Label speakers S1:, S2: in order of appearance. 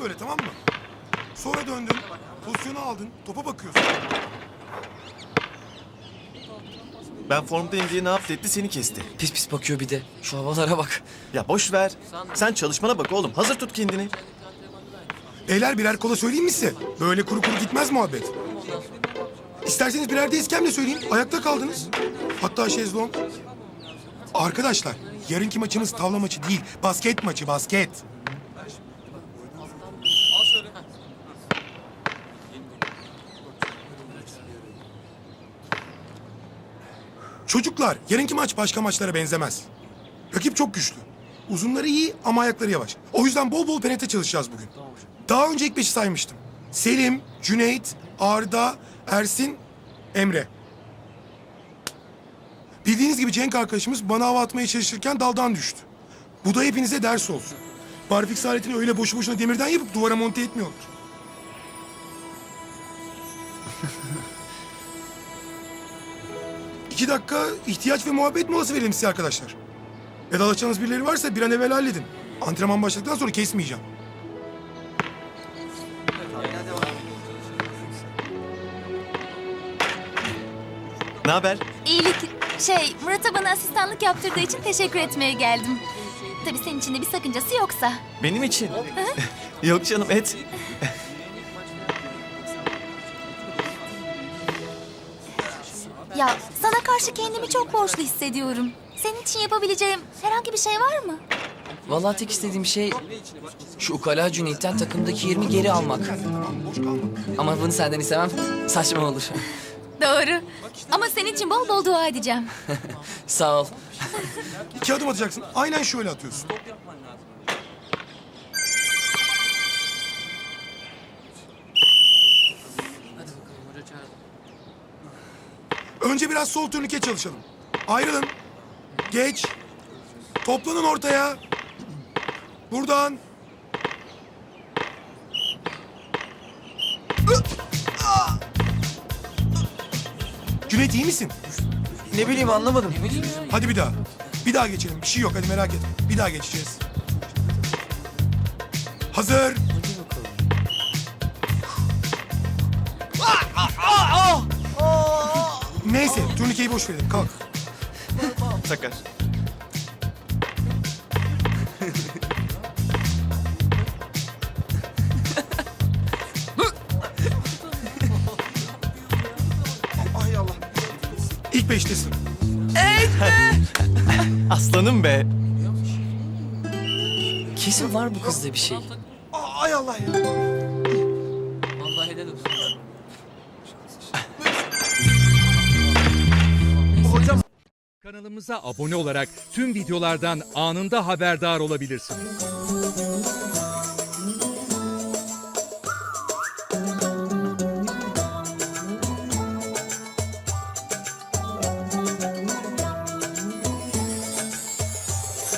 S1: böyle, tamam mı? Sonra döndün, pozisyonu aldın, topa bakıyorsun.
S2: Ben formdayım diye ne yaptı etti seni kesti.
S3: Pis pis bakıyor bir de. Şu havalara bak.
S2: Ya boş ver. Sen çalışmana bak oğlum. Hazır tut kendini.
S1: Beyler birer kola söyleyeyim mi size? Böyle kuru kuru gitmez muhabbet. İsterseniz birer de iskemle söyleyeyim. Ayakta kaldınız. Hatta şezlong. Arkadaşlar, yarınki maçımız tavla maçı değil. Basket maçı, basket. Çocuklar, yarınki maç başka maçlara benzemez. Rakip çok güçlü. Uzunları iyi ama ayakları yavaş. O yüzden bol bol penetre çalışacağız bugün. Daha önce ilk beşi saymıştım. Selim, Cüneyt, Arda, Ersin, Emre. Bildiğiniz gibi Cenk arkadaşımız bana hava atmaya çalışırken daldan düştü. Bu da hepinize ders olsun. Barfix aletini öyle boşu boşuna demirden yapıp duvara monte etmiyorlar. İki dakika ihtiyaç ve muhabbet molası verelim size arkadaşlar. Vedalaşacağınız birileri varsa bir an evvel halledin. Antrenman başladıktan sonra kesmeyeceğim.
S2: Ne haber?
S4: İyilik. Murat'a bana asistanlık yaptırdığı için teşekkür etmeye geldim. Tabii senin için de bir sakıncası yoksa.
S2: Benim için. Yok canım et.
S4: Ya sana karşı kendimi çok borçlu hissediyorum. Senin için yapabileceğim herhangi bir şey var mı?
S3: Vallahi tek istediğim şey şu ukala Cüneyt'ten takımdaki yerimi geri almak.
S1: Boş kalma.
S3: Ama bunu senden istemem. Saçma olur.
S4: Doğru. Ama senin için bol bol dua edeceğim.
S3: Sağ ol.
S1: 2 adım atacaksın. Aynen şöyle atıyorsun. Önce biraz sol turnike çalışalım. Ayrılın. Geç. Toplanın ortaya. Buradan. Cüneyt iyi misin?
S2: Ne bileyim anlamadım.
S1: Hadi bir daha. Bir daha geçelim. Bir şey yok hadi merak etme. Bir daha geçeceğiz. Hazır. Neyse turnikeyi boş verelim. Kalk.
S2: Sakar.
S1: Ay Allah. İlk beştesin.
S2: Aslanım be.
S3: Kesin var bu kızda bir şey.
S1: Ay Allah ya.
S3: Allah helal olsun.
S5: Kanalımıza abone olarak tüm videolardan anında haberdar olabilirsiniz.